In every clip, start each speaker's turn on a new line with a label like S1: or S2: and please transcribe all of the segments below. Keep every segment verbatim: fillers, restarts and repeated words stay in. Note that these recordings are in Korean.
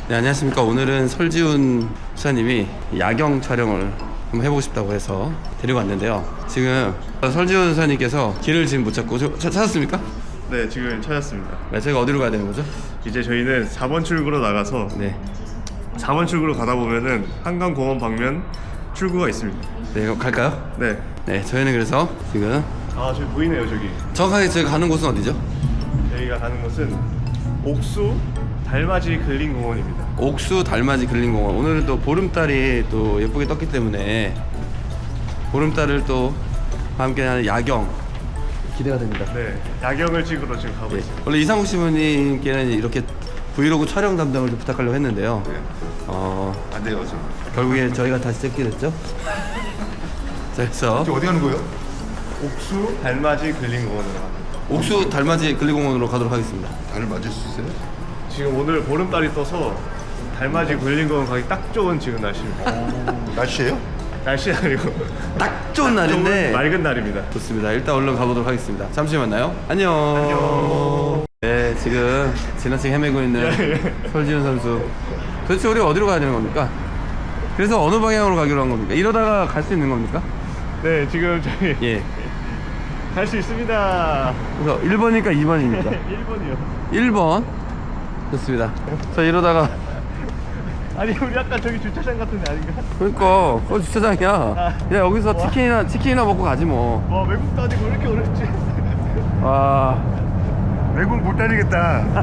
S1: 네, 안녕하십니까. 오늘은 설지훈 수사님이 야경 촬영을 한번 해보고 싶다고 해서 데리고 왔는데요. 지금 설지훈 수사님께서 길을 지금 못 찾고 저, 차, 찾았습니까?
S2: 네, 지금 찾았습니다.
S1: 네, 저희가 어디로 가야 되는 거죠?
S2: 이제 저희는 사 번 출구로 나가서
S1: 네,
S2: 사 번 출구로 가다 보면은 한강공원 방면 출구가 있습니다.
S1: 네, 그럼 갈까요?
S2: 네.
S1: 네, 저희는 그래서 지금
S2: 아, 저기 보이네요, 저기.
S1: 정확하게 저희가 가는 곳은 어디죠?
S2: 저희가 가는 곳은 옥수 달맞이 근린공원입니다.
S1: 옥수 달맞이 근린공원. 오늘은 또 보름달이 또 예쁘게 떴기 때문에 보름달을 또 함께하는 야경 기대가 됩니다.
S2: 네, 야경을 찍으러 지금 가고
S1: 예.
S2: 있습니다.
S1: 원래 이상욱 시부님께는 이렇게 브이로그 촬영 담당을 좀 부탁하려고 했는데요.
S3: 네.
S1: 어,
S3: 안 돼요, 지금.
S1: 결국에 저희가 다시 찍게 됐죠. 자, 그래서
S3: 지금 어디 가는 거예요?
S2: 옥수 달맞이 근린공원으로 갑니다.
S1: 옥수 달맞이 근린공원으로 가도록 하겠습니다.
S3: 달을 맞을 수 있어요?
S2: 지금 오늘 보름달이 떠서 달맞이 근린공원 가기 딱 좋은 지금 날씨입니다.
S3: 날씨예요?
S2: 날씨 아니고
S1: 딱 좋은 날인데
S2: 좋은 맑은 날입니다.
S1: 좋습니다. 일단 얼른 가보도록 하겠습니다. 잠시 후에 만나요. 안녕. 안녕. 네, 지금 지나치게 헤매고 있는 설지훈 선수. 도대체 우리 어디로 가야 되는 겁니까? 그래서 어느 방향으로 가기로 한 겁니까? 이러다가 갈 수 있는 겁니까?
S2: 네, 지금 저희
S1: 예.
S2: 갈 수 있습니다.
S1: 그래서 일 번이니까 이 번입니까?
S2: 일 번이요.
S1: 일 번. 좋습니다. 저 이러다가
S2: 아니, 우리 아까 저기 주차장 같은 데 아닌가?
S1: 그러니까 그거 주차장이야. 야, 여기서 치킨이나 치킨이나 먹고 가지 뭐.
S2: 와, 외국도 아니고 왜 이렇게 어렵지?
S1: 와.
S3: 외국 못 다니겠다.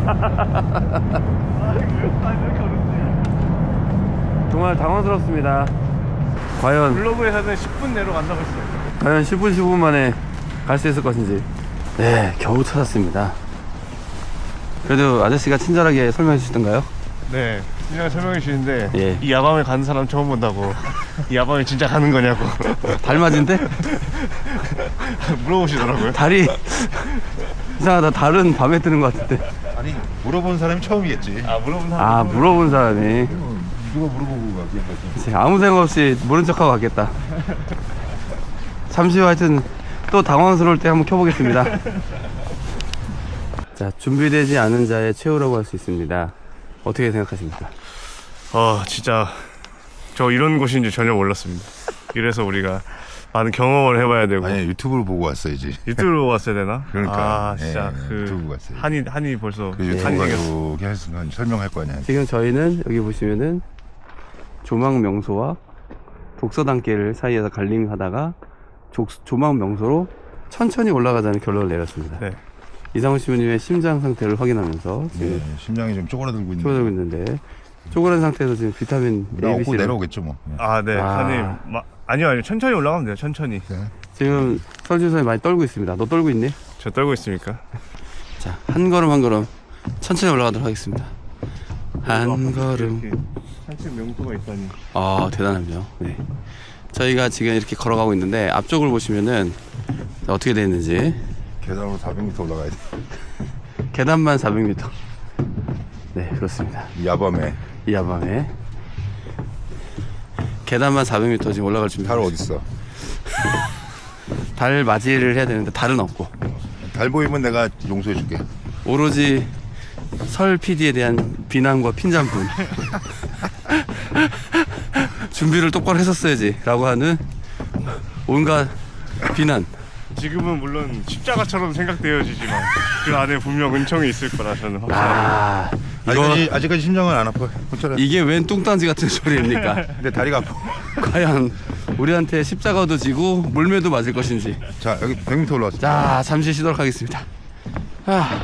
S2: 아, 이거 외국도 아니고 왜 이렇게 어렵지?
S1: 정말 당황스럽습니다. 과연
S2: 블로그에서는 십 분 내로 간다고 했어요.
S1: 과연 십 분 십오 분 만에 갈 수 있을 것인지. 네, 겨우 찾았습니다. 그래도 아저씨가 친절하게 설명해 주시던가요?
S2: 네, 그냥 설명해 주시는데
S1: 예.
S2: 이 야밤에 가는 사람 처음 본다고. 이 야밤에 진짜 가는 거냐고
S1: 달맞인데?
S2: 물어보시더라고요.
S1: 달이 이상하다. 달은 밤에 뜨는 것 같은데.
S3: 아니, 물어본 사람이 처음이겠지.
S2: 아, 물어본 사람.
S1: 아, 물어본 사람이.
S3: 누가 물어보고 가게 거지.
S1: 그치, 아무 생각 없이 모른 척하고 갔겠다. 잠시 후 하여튼 또 당황스러울 때 한번 켜보겠습니다. 자, 준비되지 않은 자의 최후라고 할 수 있습니다. 어떻게 생각하십니까?
S2: 어, 진짜 저 이런 곳인지 전혀 몰랐습니다. 이래서 우리가 많은 경험을 해봐야 되고.
S3: 아니, 유튜브를 보고 왔어야지.
S2: 유튜브로 왔어야 되나?
S3: 그러니까.
S2: 아, 진짜
S3: 예,
S2: 그
S3: 유튜브 갔어요.
S2: 한이 한이 벌써
S3: 그
S2: 한이
S3: 유튜브
S2: 생겼어.
S3: 가지고 계속 설명할 거 아니야.
S1: 지금 저희는 여기 보시면은 조망 명소와 독서단길 사이에서 갈림하다가 조, 조망 명소로 천천히 올라가자는 결론을 내렸습니다.
S2: 네.
S1: 이상훈 시부님의 심장 상태를 확인하면서 지금
S3: 네, 심장이 좀 쪼그라들고 있는데.
S1: 쪼그라들고 있는데 쪼그란 상태에서 지금 비타민
S3: 나
S1: A, B,
S3: 얻고
S1: C를
S3: 내려오겠죠 뭐. 예.
S2: 아, 네,
S1: 아.
S2: 한님. 마, 아니요, 아니요. 천천히 올라가면 돼요. 천천히.
S3: 네.
S1: 지금 설주선이 많이 떨고 있습니다. 너 떨고 있니?
S2: 저 떨고 있습니까?
S1: 자, 한 걸음 한 걸음 천천히 올라가도록 하겠습니다. 한 걸음.
S2: 이렇게 산책 명소가 있다니.
S1: 아, 대단하죠. 네. 저희가 지금 이렇게 걸어가고 있는데 앞쪽을 보시면은 어떻게 되어 있는지.
S3: 계단으로 사백 미터 올라가야 돼.
S1: 계단만 사백 미터. 네, 그렇습니다.
S3: 이 야밤에.
S1: 이 야밤에 계단만 사백 미터 지금 올라갈 준비.
S3: 달 어딨어?
S1: 달 맞이를 해야 되는데 달은 없고
S3: 달 보이면 내가 용서해 줄게.
S1: 오로지 설 피디에 대한 비난과 핀잔뿐. 준비를 똑바로 했었어야지 라고 하는 온갖 비난.
S2: 지금은 물론 십자가처럼 생각되어지지만 그 안에 분명 은총이 있을 거라 저는 확신합니다.
S1: 아, 이거
S3: 아직까지, 아직까지 심장은 안 아파. 괜찮아.
S1: 이게 웬 뚱딴지 같은 소리입니까?
S3: 근데 다리가 아파.
S1: 과연 우리한테 십자가도 지고 물매도 맞을 것인지.
S3: 자, 여기 백 미터 올라왔어.
S1: 자, 잠시 쉬도록 하겠습니다. 아,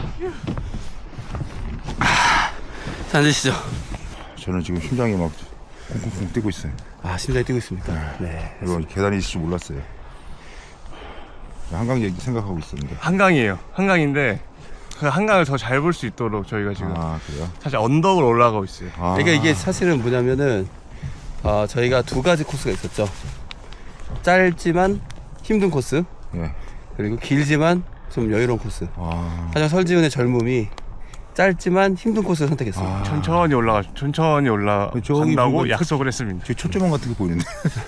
S1: 아, 자, 앉으시죠.
S3: 저는 지금 심장이 막 쿵쿵쿵 뛰고 있어요.
S1: 아, 심장이 뛰고 있습니까? 네.
S3: 이거 계단이 있을 줄 몰랐어요. 한강 얘기 생각하고 있었는데.
S2: 한강이에요. 한강인데 그 한강을 더 잘 볼 수 있도록 저희가 지금
S3: 아, 그래요?
S2: 사실 언덕을 올라가고 있어요.
S3: 아,
S1: 그러니까 이게 사실은 뭐냐면은 어, 저희가 두 가지 코스가 있었죠. 짧지만 힘든 코스,
S3: 예.
S1: 그리고 길지만 좀 여유로운 코스.
S3: 아,
S1: 하지만 설지훈의 젊음이 짧지만 힘든 코스를 선택했어요.
S3: 아.
S2: 천천히 올라가 천천히
S3: 저기
S2: 올라간다고
S3: 보면
S2: 약속을 했습니다.
S3: 저 초점원 같은 게 보이는데.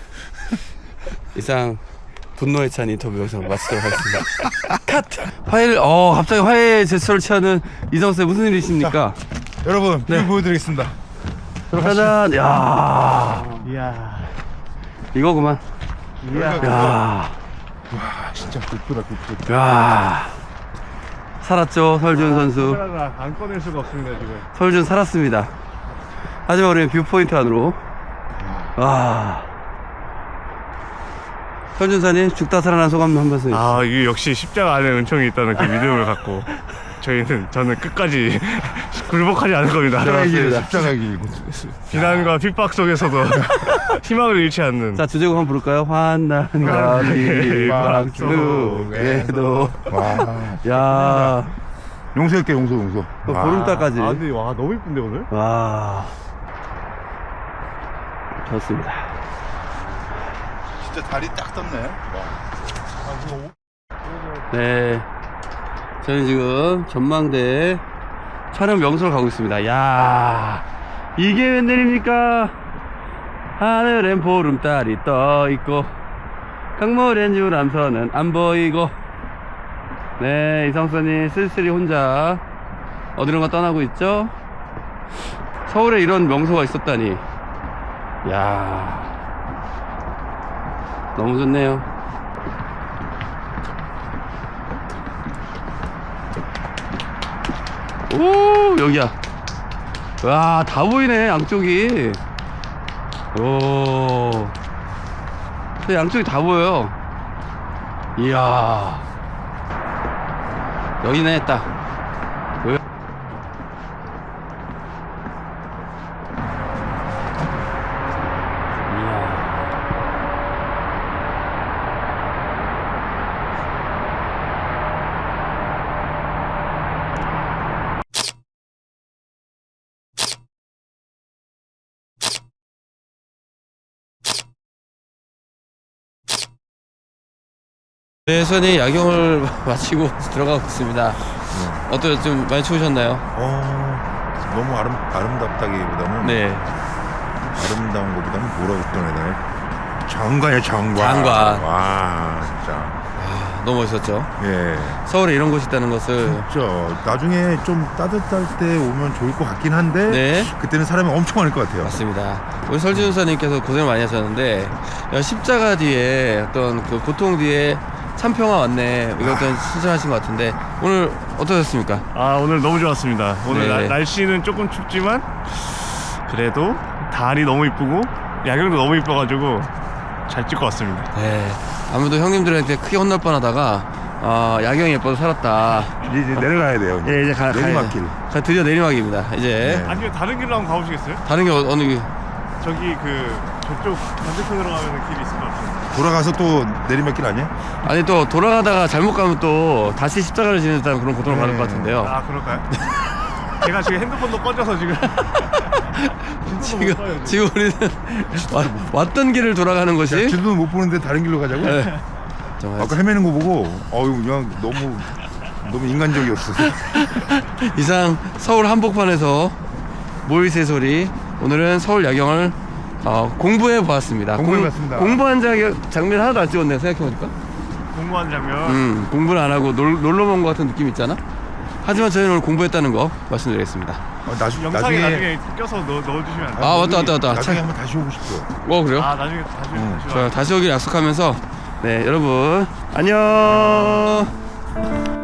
S1: 이상 분노에 찬 인터뷰 영상 마치도록 하겠습니다. 컷! 화해를, 어, 갑자기 화해 제스처를 취하는 이성훈 씨 무슨 일이십니까?
S3: 여러분,
S1: 네.
S3: 뷰 보여드리겠습니다.
S1: 짜잔. 야,
S2: 이야.
S1: 이거구만.
S2: 이야.
S1: 야,
S3: 와 진짜 굿프다 굿프.
S1: 야. 살았죠, 설준 선수.
S2: 카메라가 안 꺼낼 수가 없습니다 지금.
S1: 설준 살았습니다. 하지만 우리는 뷰포인트 안으로. 와. 설준사님 죽다 살아난 소감 한 말씀.
S2: 아 이게 역시 십자가 안에 은총이 있다는 그 믿음을 갖고 저희는 저는 끝까지 굴복하지 않을 겁니다.
S3: 십자가 길.
S2: 비난과 핍박 속에서도 희망을 잃지 않는.
S1: 자, 주제곡 한번 부를까요? 환난과 핍박 속에도.
S3: 와.
S1: 야,
S3: 용서할게 용서 용서.
S1: 또 보름달까지.
S2: 아 근데 와 너무 이쁜데 오늘.
S1: 와, 좋습니다.
S3: 진짜 다리 딱 떴네.
S1: 네, 저는 지금 전망대 촬영 명소로 가고 있습니다. 야, 이게 웬일입니까? 하늘엔 보름달이 떠있고 강물엔 유람선은 안 보이고. 네, 이성선이 쓸쓸히 혼자 어디론가 떠나고 있죠. 서울에 이런 명소가 있었다니. 야, 너무 좋네요. 오, 여기야. 와, 다 보이네, 양쪽이. 오, 근데 양쪽이 다 보여요. 이야, 여기네, 딱 보여? 이야. 네, 선이 야경을 마치고 들어가고 있습니다. 어때요? 좀 많이 추우셨나요?
S3: 어 너무 아름 아름답다기보다는
S1: 네.
S3: 아름다운 것보다는 뭐라고 표현해야 되나? 장관이야 장관.
S1: 장관.
S3: 와 진짜.
S1: 아, 너무 멋있었죠.
S3: 예.
S1: 서울에 이런 곳이 있다는 것을.
S3: 진짜 나중에 좀 따뜻할 때 오면 좋을 것 같긴 한데
S1: 네.
S3: 그때는 사람이 엄청 많을 것 같아요.
S1: 맞습니다. 우리 설지훈사님께서 고생을 많이 하셨는데, 야, 십자가 뒤에 어떤 그 고통 뒤에 참 평화 왔네, 이것도 신청하신 것 같은데 오늘 어떠셨습니까?
S2: 아 오늘 너무 좋았습니다. 오늘
S1: 네.
S2: 나- 날씨는 조금 춥지만 그래도 달이 너무 이쁘고 야경도 너무 이뻐가지고 잘 찍고 왔습니다.
S1: 네, 아무래도 형님들한테 크게 혼날 뻔하다가 어, 야경이 예뻐서 살았다.
S3: 이제, 이제 내려가야 돼요.
S1: 예, 이제 가,
S3: 내리막길.
S1: 가, 가, 드디어 내리막입니다. 이제
S3: 네.
S2: 아니면 다른 길로 한번 가보시겠어요?
S1: 다른 게 어, 어느 길?
S2: 저기 그 저쪽 반대편으로 가면 길이 있을 것 같아요.
S3: 돌아가서 또 내리막길 아니야?
S1: 아니, 또 돌아가다가 잘못 가면 또 다시 십자가를 지는다는 그런 고통을 받을
S3: 네.
S1: 것 같은데요.
S2: 아 그럴까요? 제가 지금 핸드폰도 꺼져서 지금
S1: 지금 지금 우리는 와, 왔던 길을 돌아가는
S3: 야,
S1: 것이.
S3: 지도도 못 보는데 다른 길로 가자고?
S1: 네. 정말
S3: 아까 헤매는 거 보고 어유 그냥 너무 너무 인간적이었어.
S1: 이상 서울 한복판에서 모이세 소리, 오늘은 서울 야경을 어, 공부해 보았습니다.
S3: 공부해봤습니다.
S1: 공부한 자, 장면 하나도 안 찍었네, 생각해보니까.
S2: 공부한 장면.
S1: 음, 공부를 안 하고 놀, 놀러 온 것 같은 느낌 있잖아. 하지만 저희는 오늘 공부했다는 거 말씀드리겠습니다.
S3: 어, 나중,
S2: 영상에
S3: 나중에
S2: 나중에 껴서 넣어, 넣어주시면 안 돼요?
S1: 아, 왔다, 왔다, 왔다.
S3: 나중에
S1: 차-
S3: 한번 다시 오고 싶어.
S1: 어, 그래요?
S2: 아 나중에 다시
S3: 응.
S2: 다시
S1: 자, 다시 오길 약속하면서, 네, 여러분 안녕.